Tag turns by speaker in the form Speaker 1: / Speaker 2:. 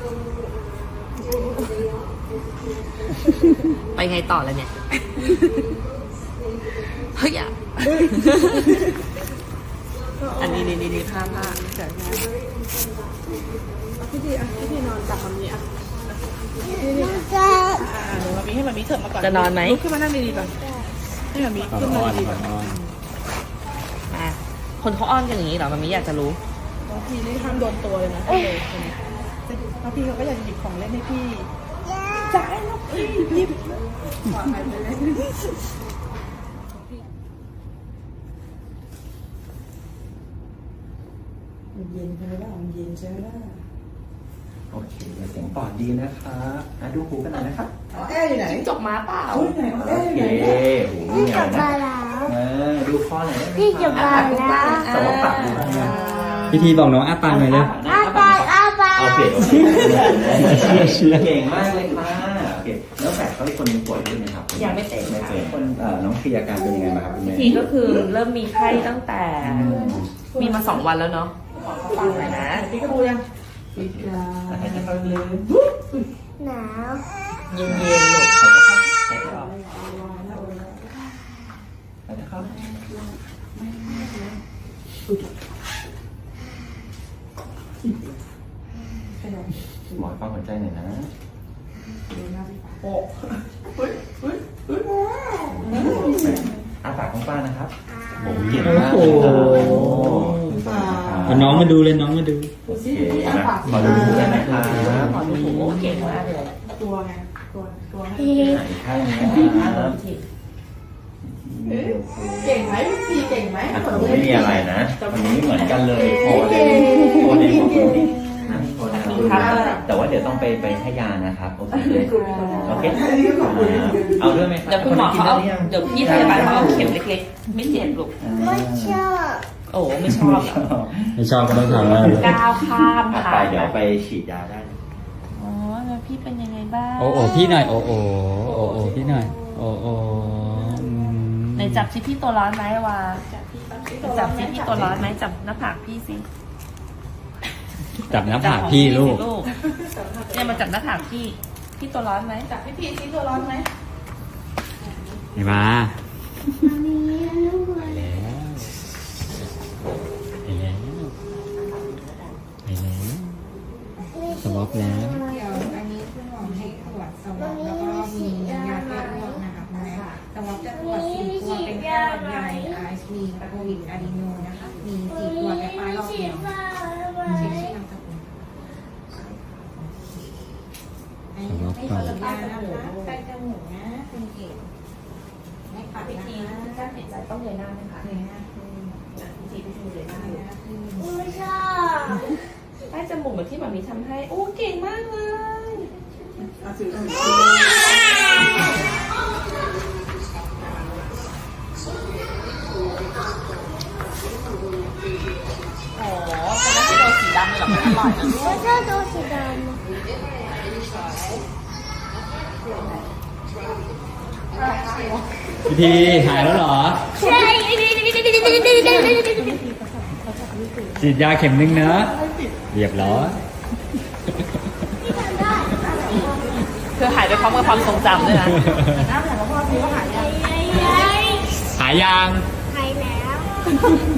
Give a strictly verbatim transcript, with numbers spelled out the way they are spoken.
Speaker 1: ไปไงต่อแล้วเนี่ยเฮ้ยอ่ะอันนี้นี่นี่ผ้าผ้าเดี๋ยวนะพี่ดีอ่ะพี่ดีนอนจับแบบนี้อ่ะนี่นี่อ่าเดี๋ยวมามีให้มามีเถิดมาก่อนจะนอนไหมลุกขึ้นมานั่งดีๆก่อนให้มามีขึ้นมาดีๆก่อนอ่ะคนเขาอ้อนกันอย่างนี้เหรอมามีอยากจะรู้บางทีนี่ห้ามโดนตัวเลยนะพี่เลยบางทีเขาก็อยากหยิบของเล่นให้พี่จ่ายแล้วพี่หยิบขอหายไปเลยเย็นใช่ไหมล่ะมันเย็นใช่ไหมล่ะ
Speaker 2: โอเคเสียงปอดดีนะครับอ่ะดูหูกันหน่อยนะครับ
Speaker 1: อ๋อแอร์อยู่ไหนจกมาเปล่า
Speaker 2: โอเคพี่จบมาแล้วเออดูข้อไหน
Speaker 3: พี่จบมาแล้ว
Speaker 2: สมองปากดูนะ
Speaker 4: พิธีบอกน้องอ้าปากหน่อยเลย
Speaker 3: อ้าปากอ้าปาก
Speaker 2: โอเคโอเคเก่งมากเลยค่ะโอเคแล้วแฝดเขาอีกคนนึงป่วยด้วยไหมครับ
Speaker 1: ยังไม่เต็ม
Speaker 2: ไม่เต็มคนน้องพีอาการเป็นยังไงบ้างครับคุณแม่
Speaker 1: ทีก็คือเริ่มมีไข้ตั้งแต่มีมาสองวันแล้วเนาะฟังหน่อยนะพี่ก็ดูยังให้เขาเลย
Speaker 3: หนาว
Speaker 1: เย็นๆหลบ
Speaker 2: ให้เขาให้เขาหมอฟังหัวใจหน่อยนะโอ้เฮ้ยเฮ้ยเฮ้ยอาปากของป้านะครับโอ้เก่งมาก
Speaker 4: เอาน้องมาดูเลยน้องมาดู
Speaker 2: โอเคนะขอดูหูได้ไหมครับ
Speaker 1: ขอดูหูเก่งมากเลย
Speaker 3: ตัวไงตัวตัว
Speaker 2: อีกข้างนึงนะครับ
Speaker 1: เก่งไหมพี่เก่งไหม
Speaker 2: ผมไม่มีอะไรนะวันนี้เหมือนกันเลยพอเลยพอเลยของคุณนี่นะพอแล้วแต่ว่าเดี๋ยวต้องไปไปให้ยานะครับโอเคโอเคเอาด้วยไหมครับ
Speaker 1: เดี๋ยวคุณหมอเขาเอาเดี๋ยวพี่พยาบาลเขาเอาเข็มเล็กๆไม่เจ็บลูก
Speaker 3: ไม่ชอบ
Speaker 1: โอ้ไม่ชอบ
Speaker 4: ไม่ชอบก็ต้องทำแล้ว
Speaker 1: ก้าวข้าม
Speaker 2: ค่ะไปเดี๋ยวไปฉีดยาได้
Speaker 1: อ๋อแล้วพี่เป็นยังไงบ้าง
Speaker 4: โอ้โอ้พี่หน่อยโอ้โอ้โอ้โอ้พี่หน่อยโอ้โอ้
Speaker 1: ในจับชิพี่ตัวร้อนไหมวะจับชิพี่ตัวร้อนไหมจับหน้าผากพี่สิ
Speaker 4: จับหน้าผากพี่ลูก
Speaker 1: เนี่ยมาจับหน้าผากพี่พี่ตัวร้อนไหมจับพี่พี่พี่ตัวร้อนไหม
Speaker 4: นี่มา
Speaker 3: ไป
Speaker 4: แล้วไปแล้วไปแล้วสวอปแล้ว
Speaker 5: เดี๋ยวอันนี้คุณหมอให้ตรวจสวอปแล้วก็มียาแก้อ้วกนะคะคุณแม่สวอปจะตรวจสี่ตัวเป็นแค่หวัดใหญ่ไอซ์มีโควิดอะดีโนนะคะมีสี่ตัวแต่ปลายรอบเดียวเช็คชื่อนามสกุลให้เปิดยานะคะใส่จมูกนะเป็นเกล็ดให้ปัดนะคะ
Speaker 1: การหายใจต้องเงยหน้าไหมคะ
Speaker 5: เงยหน้าขึ้น
Speaker 1: พิธีพิธีเงยหน้าขึ้น
Speaker 3: ไม่ชอบ
Speaker 1: ใต้จมูกเหมือนที่หมอมีทำให้โอ้เก่งมากเลยโอ้เป็นน้ำที่เราสีดำเลยหรอมันอร่อยนะลูก
Speaker 3: ไม่ชอบตัวสีดำ
Speaker 4: พิธีหายแล้วเหรอ
Speaker 3: ใช่
Speaker 4: ฉีดยาเข็มนึงนะเรียบร้อย
Speaker 1: คือหายไปพร้อมกับความทรงจำด้วยนะ
Speaker 3: น้ำหนักพ่อพี่ก็หายยัง
Speaker 4: หายยัง
Speaker 3: หายแล้ว